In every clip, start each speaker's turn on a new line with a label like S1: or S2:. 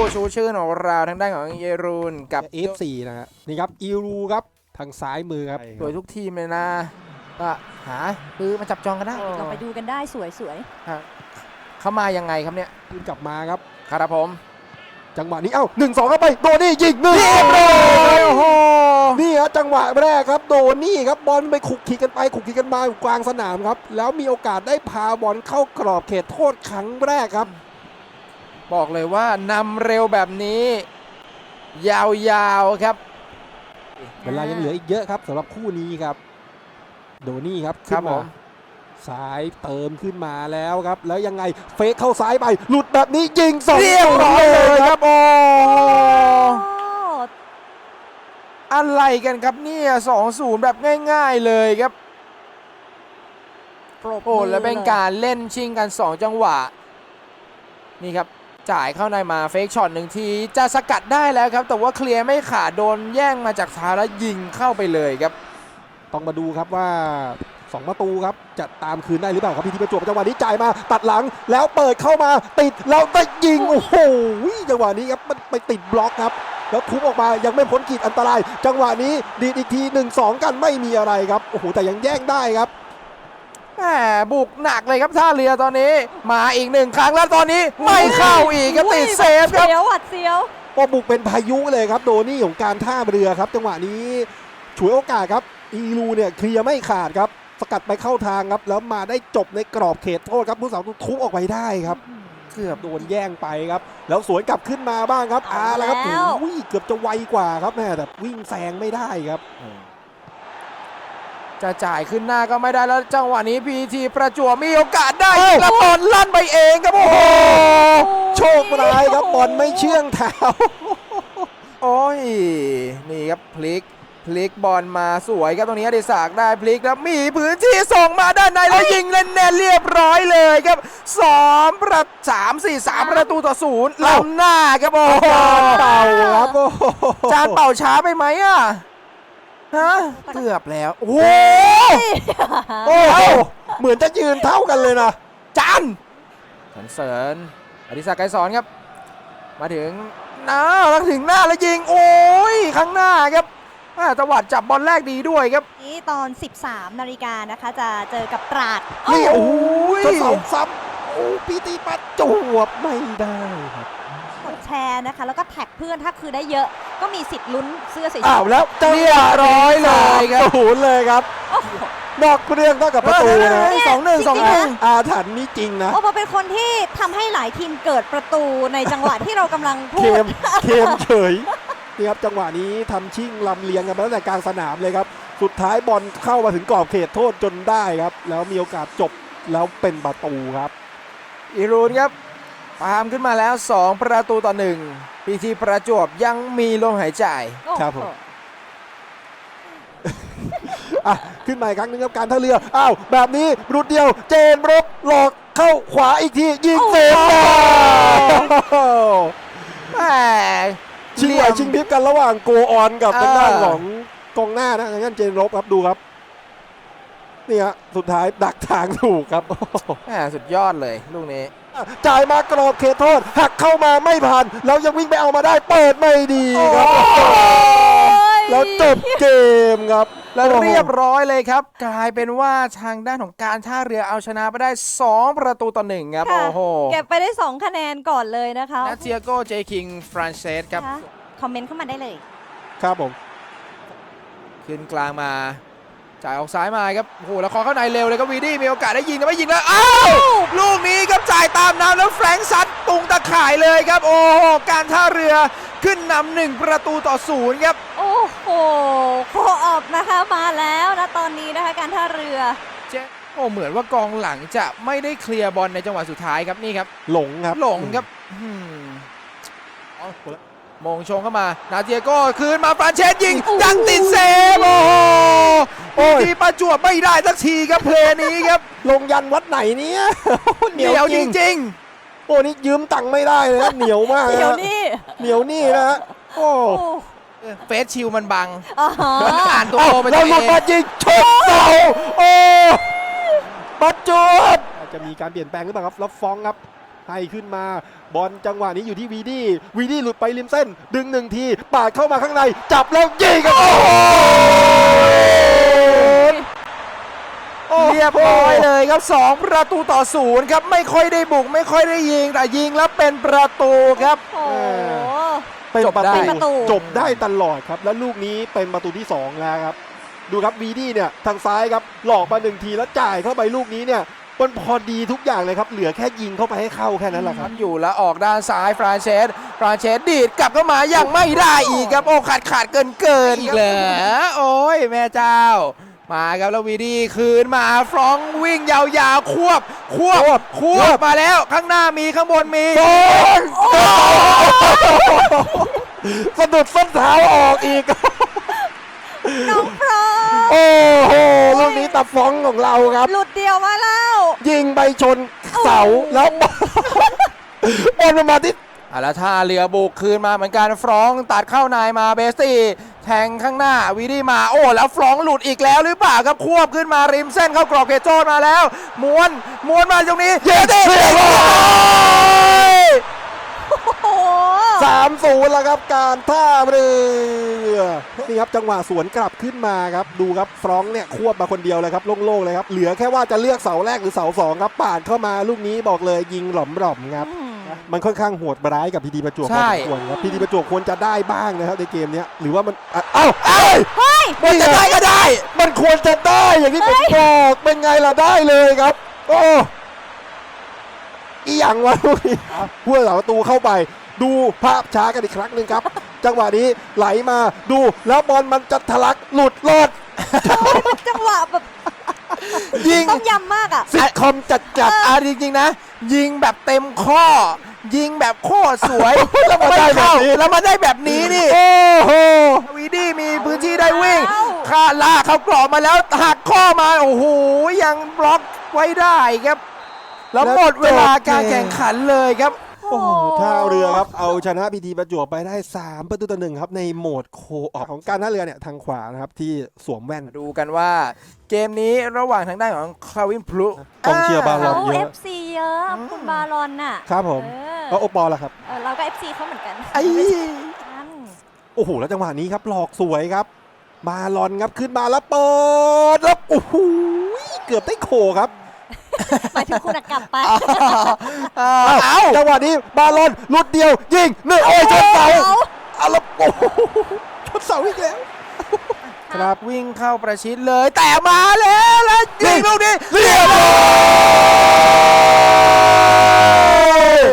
S1: ชูชื่นของเราทางด้านของเยรูนกับ
S2: F4 นะฮะนี่ครับอีรูครับทางซ้ายมือครับ
S1: สวยทุกทีมเลยนะก็หาซื้อมาจับจองกันได้
S3: ลองไปดูกันได้สวย
S1: เขามายังไงครับเนี่ย
S2: ขึ้นกลับมาครับ
S1: ครับผม
S2: จังหวะนี้เอ้า1-2เข้าไปโดนี่ยิง1
S1: เรียบร้อยโอ้โห
S2: นี่ฮะจังหวะแรกครับโดนี่ครับบอลไปขุกขีกันไปขุกขีกันมาอยู่กลางสนามครับแล้วมีโอกาสได้พาบอลเข้ากรอบเขตโทษครั้งแรกครับ
S1: บอกเลยว่านำเร็วแบบนี้ ยาวๆครับ
S2: เวลายังเหลืออีกเยอะครับสำหรับคู่นี้ครับโดนี่ครับ
S1: ครั
S2: ขึ้
S1: บ
S2: น
S1: ผ
S2: มาม ซ้ายเติมขึ้นมาแล้วครับแล้วยังไงเฟกเข้าซ้ายไปหลุดแบบนี้ยิง2
S1: เรียบร้อยเลยครับโอ้ อะไรกันครับเนี่ย2-0 แบบง่ายๆเลยครับ
S3: ปรบ
S1: โอ้
S3: มือ
S1: แล้วเป็นการเล่นชิงกัน2 จังหวะนี่ครับจ่ายเข้าในมาเฟกช็อต1 ทีจะสกัดได้แล้วครับแต่ว่าเคลียร์ไม่ขาดโดนแย่งมาจากเท้าแล้วยิงเข้าไปเลยครับ
S2: ต้องมาดูครับว่า2 ประตูครับจะตามคืนได้หรือเปล่าครับพีทีประจวบจังหวะนี้จ่ายมาตัดหลังแล้วเปิดเข้ามาติดแล้วได้ยิงโอ้โหจังหวะนี้ครับมันไปติดบล็อกครับแล้วทุบออกมายังไม่พ้นขีดอันตราย จังหวะนี้ดีดอีกที 1-2 กันไม่มีอะไรครับโอ้โหแต่ยังแย่งได้ครับ
S1: แหมบุกหนักเลยครับท่าเรือตอนนี้มาอีก1 ครั้งแล้วตอนนี้ไม่เข้าอีกครับติดเซฟครับ
S3: เสียวหวัดเสียว
S2: ก็บุกเป็นพายุเลยครับโดนี่ของการท่าเรือครับจังหวะนี้ฉวยโอกาสครับอีรูเนี่ยเคลียร์ไม่ขาดครับสกัดไปเข้าทางครับแล้วมาได้จบในกรอบเขตโทษครับผู้สาวทุบออกไปได้ครับเกือบโดนแย่งไปครับแล้วสวนกลับขึ้นมาบ้างครับแล้วครับโอ้ยเกือบจะไวกว่าครับแม่แต่วิ่งแซงไม่ได้ครับ
S1: จะจ่ายขึ้นหน้าก็ไม่ได้แล้วจังหวะนี้พีทีประจวบมีโอกาสได้กระตอนลั่นไปเองครับโอ้โห
S2: โชคร้ายครับบอลไม่เชื่องเท้า
S1: โอ้ยนี่ครับพลิกบอลมาสวยครับตรงนี้อดิศักดิ์ได้พลิกแล้วมีพื้นที่ส่งมาด้านในแล้วยิงแน่นๆเรียบร้อยเลยครับ3 ประตูต่อ0ล้ำหน้าครับโอ้โห
S2: เป่าครับโอ้โห
S1: จานเป่าช้าไปไหมอ่ะฮะเกือบแล้วโอ้โห
S2: โอ้โหเหมือนจะยืนเท่ากันเลยนะ
S1: จานสรรเสริญอดิศักดิ์ไกรสอนครับมาถึงหน้าแล้วถึงหน้าแล้วยิงโอ้ยข้างหน้าครับจังหวะจับบอลแรกดีด้วยครับ
S3: นี่ตอน 13 นาฬิกานะคะจะเจอกับตราด
S2: นี่โอ้
S1: ย
S2: จะเสาซ้ำโอ้พีตีปัดจวบไม่ได้ครับ
S3: กดแชร์นะคะ แล้วก็แท็กเพื่อนถ้าคือได้เยอะก็มีสิทธิ์ลุ้นเสื้อสวย
S2: อ้าวแล้ว
S1: เรียบร้อยเลยครับ
S2: ศูนย์เลยครับ
S3: ๆโอ้โห
S2: นอกเรื่องเท่ากับประตูนะ
S1: 2-1
S2: อาถรรพ์นี่จริงนะ
S3: โอ้โหเป็นคนที่ทำให้หลายทีมเกิดประตูในจังหวะที่เรากำลังพู
S2: เค
S3: ด
S2: มเฉยนี่ครับจังหวะนี้ทำชิ่งลำเลียงกันมาตั้งแต่กลางสนามเลยครับสุดท้ายบอลเข้ามาถึงกรอบเขตโทษจนได้ครับแล้วมีโอกาสจบแล้วเป็นประตูครับ
S1: อีรูนครับตามขึ้นมาแล้ว 2 ประตูต่อ1พีทีประจวบยังมีลมหายใจ
S2: ครับผม อ่ะขึ้นมาอีกครั้งหนึงครับการท่าเรืออ้าวแบบนี้รุดเดียวเจนบรกหลอกเข้าขวาอีกทียิงเซฟได้
S1: แหม
S2: ชิงไหวชิงพริบกันระหว่างโกออนกับทางด้านของกองหน้านะทางด้านเจนรบครับดูครับนี่ฮะสุดท้ายดักทางถูกครับ
S1: แหมสุดยอดเลยลูกนี้
S2: จ่ายมากรอบเขตโทษหักเข้ามาไม่ผ่านแล้วยังวิ่งไปเอามาได้เปิดไม่ดีครับแล้วจบเกมครับ
S1: แล้วเรียบร้อยเลยครับ กลายเป็นว่าทางด้านของการท่าเรือเอาชนะไปได้ 2 ประตูต่อ1ครับ
S3: ค่ะ
S1: โอ้โห
S3: เก็บไปได้ 2 คะแนนก่อนเลยนะคะ
S1: และเทียโกเจคิงฟรานเซสครับ
S3: นะคะคอมเมนต์เข้ามาได้เลย
S2: ครับผม
S1: ขึ้นกลางมาจ่ายออกซ้ายมาครับโอ้โหแล้วขอเข้าในเร็วเลยครับวีดี้มีโอกาสได้ยิงแต่ไม่ยิงแล้วอ้าวลูกนี้ครับจ่ายตามน้ำแล้วแฟรงค์ซัดตุงตะข่ายเลยครับโอ้โหการท่าเรือขึ้นนำ1 ประตูต่อ0ครับ
S3: โอ้โหโคออบนะคะมาแล้วนะตอนนี้นะคะการท่าเรือ
S1: โอ้เหมือนว่ากองหลังจะไม่ได้เคลียร์บอลในจังหวะสุดท้ายครับนี่ครับ
S2: หลงครับ
S1: หลงครับมงชงเข้ามานาเทียโก้คืนมาฟรานเชสยิงยังติดเซฟโอ้โห
S2: โอ้ย
S1: ทีประจวบไม่ได้สักทีครับเพลย์นี้ครับ
S2: ลงยันวัดไหนเนี่ย
S1: เหนียวจริง
S2: โอ้นี่ยืมตังค์ไม่ได้เลยนะเหนียวมาก
S3: เดี๋ยว
S2: นะ
S3: นี้
S2: เหนียวนี่นะฮะโอ้
S3: โอ้
S1: ๆเฟสชิลมันบัง
S3: อ่าฮะ
S1: มันอ่านตัว
S2: เอ้า
S1: โอไปตั
S2: เรา
S1: ว
S2: หลุด
S1: เอ
S2: มาง ยิงชกเสาโอ้ปัจจุบอาจจะมีการเปลี่ยนแปลงหรือเปล่าครับแล้วฟ้องครับให้ขึ้นมาบอลจังหวะนี้อยู่ที่วีดี้หลุดไปริมเส้น ดึง1 ทีปาดเข้ามาข้างในจับแล้วยิงครับโอ้โห
S1: เรียบร้อยเลยครับ2-0ครับไม่ค่อยได้บุกไม่ค่อยได้ยิงแต่ยิงแล้วเป็นประตูครับ
S3: โอ้โห
S2: เป็น
S1: จบได้
S3: ประตู
S2: จบได้ตลอดครับแล้วลูกนี้เป็นประตูที่2แล้วครับดูครับวีดี้เนี่ยทางซ้ายครับหลอกมา1 ทีแล้วจ่ายเข้าไปลูกนี้เนี่ยมันพอดีทุกอย่างเลยครับเหลือแค่ยิงเข้าไปให้เข้าแค่นั้นแหละครับ
S1: อยู่แล้วออกด้านซ้ายฟรานเชสดีดกลับเข้ามายังไม่ได้อีกครับโอ้ขาดเกินอีกเลยโอ้ยแม่เจ้ามาครับแล้ววีดี้คืนมาฟรองก์วิ่งยาวๆควบมาแล้วข้างหน้ามีข้างบนมี
S2: สะดุดส้นเท้าออกอีก
S3: น้องพรอ
S2: โอ้โหลูกนี้ตะฟ้องของเราครับ
S3: หลุดเดียวมาแล้ว
S2: ยิงไปชนเสาแล้วบอลมาที่
S1: แล้วท่าเรือบุกคืนมาเหมือนกันฟรองก์ตัดเข้านายมาเบสตี้แทงข้างหน้าวีดี้มาโอ้แล้วฟรองก์หลุดอีกแล้วหรือเปล่าครับควบขึ้นมาริมเส้นเข้ากรอบเขตโทษมาแล้วม้วนมาตรงนี้เย้ดิ
S3: โอ้โห
S2: 3-0แล้วครับการท่าเรือนี่ครับจังหวะสวนกลับขึ้นมาครับดูครับฟรองก์เนี่ยควบมาคนเดียวเลยครับโล่งๆเลยครับเหลือแค่ว่าจะเลือกเสาแรกหรือเสา2ครับปาดเข้ามาลูกนี้บอกเลยยิงหล่อมๆครับมันค่อนข้างโหดร้ายกับพีดีประจวบพอสมควรครับพีดีประจวบควรจะได้บ้างนะครับในเกมนี้หรือว่ามันเอ้า
S1: มันจะได้ก็ได้
S2: มันควรจะได้อย่างที่ผมบอกเป็นไงล่ะได้เลยครับโอ้อีหยังวะลูกนี้ผู้รักษาประตูเข้าไปดูภาพช้ากันอีกครั้งหนึ่งครับ จังหวะนี้ไหลมาดูแล้วบอลมันจะทะลักหลุดรอด
S3: เป็นจังหวะแบบ
S1: ยิง
S3: ต้องยำมากอ่ะ
S2: ซิทคอมจัด
S1: จริงๆนะ ยิงแบบเต็มข้อ ยิงแบบโคตรสวย
S2: แล้วมาได้แบบนี้
S1: แล้วมาได้แบบนี้นี่
S2: โอ้โห
S1: วีดี้มีพื้นที่ได้วิ่งค่าลากเขากรอบมาแล้วหักข้อมาโอ้โหยังบล็อกไว้ได้ครับ แล้วหมดเวลาการแข่งขันเลยครับ
S2: โอ้โหท่าเรือครับเอาชนะพีทีประจวบไปได้3-1ครับในโหมดโคออกของการท่าเรือเนี่ยทางขวานะครับที่สวมแว่น
S1: ดูกันว่าเกมนี้ระหว่างทางด้านของคลาวินพลุ
S2: กองเชียร์บาล
S3: เขา
S2: เยอะ
S3: FC เยอะคุณบารอนน่ะ
S2: ครับผม
S3: เออ
S2: แล้วโอปอลล่ะครับ
S3: เราก็ FC เขาเหมือนกัน
S1: ไอ้
S3: กัน
S2: โอ้โหแล้วจังหวะนี้ครับหลอกสวยครับบาลอนครับขึ้นมาแล้วเปิดแล้วโอ้โหเกือบได้โขครับ
S3: หมายถึงคุณอะกลับไป
S2: เอาจังหวะนี้บาลอนหลุดเดียวยิงหนึ่งโอ้ยชนเสาเอาแล้วโอ้โหชนเสาอีกแล้ว
S1: ครับวิ่งเข้าประชิดเลยแต่มาแล้วยิงลูกนี้
S2: เรียบร้อย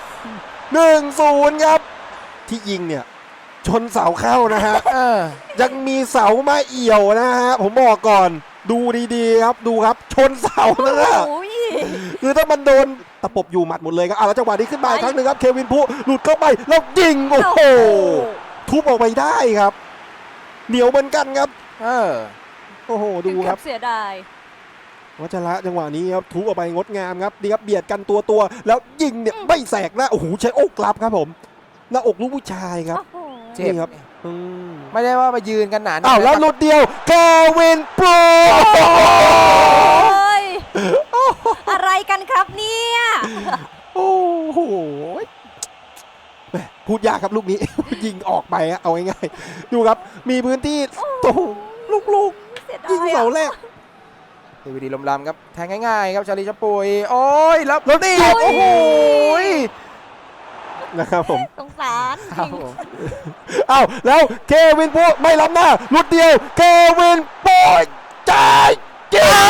S2: 1-0ครับที่ยิงเนี่ยชนเสาเข้านะฮะ ยังมีเสามาเอี่ยวนะฮะผมบอกก่อนดูดีๆครับดูครับชนเสานะฮะ
S3: โอ้ย
S2: คือถ้ามันโดนตะปบอยู่หมัดหมดเลยครับแล้วจังหวะนี้ขึ้นมาอีกครั้งหนึ่งครับเควินพูหลุดเข้าไปแล้วยิงโอ้โหทุบออกไปได้ครับเหนียวเหมือนกันครับโอ้โหดูครับ
S3: เสียดาย
S2: วัชระจังหวะนี้ครับทุบออกไปงดงามครับดีครับเบียดกันตัวแล้วยิงเนี่ยไม่แสกหน้าโอ้โหใช้อกรับครับผมหน้าอกลูกผู้ชายครับ
S3: โอ้โห
S1: เจ็บ
S2: นี่ครับ
S1: ไม่ได้ว่ามายืนกันหนา
S2: อ้าวแล้วหลุดเดียวเควินพู
S3: เฮ้ยอะไรกันครับเนี่ย
S2: โอ้โหแหม่พูดยากครับลูกนี้ ยิงออกไปฮะเอาง่ายๆดูครับมีพื้นที่โอ้โหลูก
S3: เสียดา
S2: ยิง
S3: ย
S2: เสา
S3: อะ
S2: แรก
S1: ดีวีดีลมลำครับแทงง่ายๆครับชาลีชะปุยโอ้ยแล้วนี่
S3: โอ้
S1: โอ้โห
S2: นะครับผม
S3: สงสารจริง
S2: อ้าวแล้วเควินพูไม่ล้ำหน้าหลุดเดียวเควินพูจ่ายยิง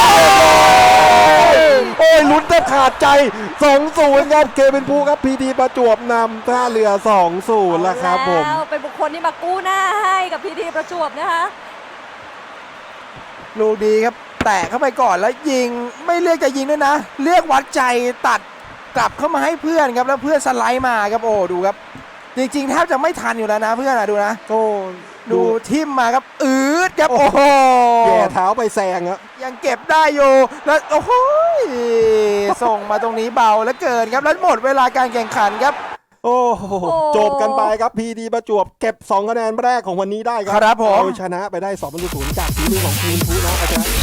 S2: โอ้ยลุ้นแทบขาดใจ 2-0 ครับเควินพูครับพีดีประจวบนำท่าเรือ 2-0 แล้วครับผม
S3: แล้วเป็นบุคคลที่มากู้หน้าให้กับพีทีประจวบนะคะ
S1: ลูกดีครับแตะเข้าไปก่อนแล้วยิงไม่เลือกจะยิงด้วยนะเลือกวัดใจตัดกลับเข้ามาให้เพื่อนครับแล้วเพื่อนสไลด์มาครับโอ้ดูครับจริงๆแทบจะไม่ทันอยู่แล้วนะเพื่อนดูนะ
S2: โอ้
S1: ดูทิมมาครับดครับโอ้โห
S2: แย่เท้าไปแซงครับ
S1: ยังเก็บได้อยู่แล้วโอ้โหส่งมาตรงนี้เบาแล้วเกินครับแล้วหมดเวลาการแข่งขันครับ
S2: โอ้โหจบกันไปครับพีดีประจวบเก็บ2 คะแนนแรกของวันนี้ได้ครั
S1: ครับผม
S2: เอาชนะไปได้2-0จากทีมของทีมพูนะเอาชนะ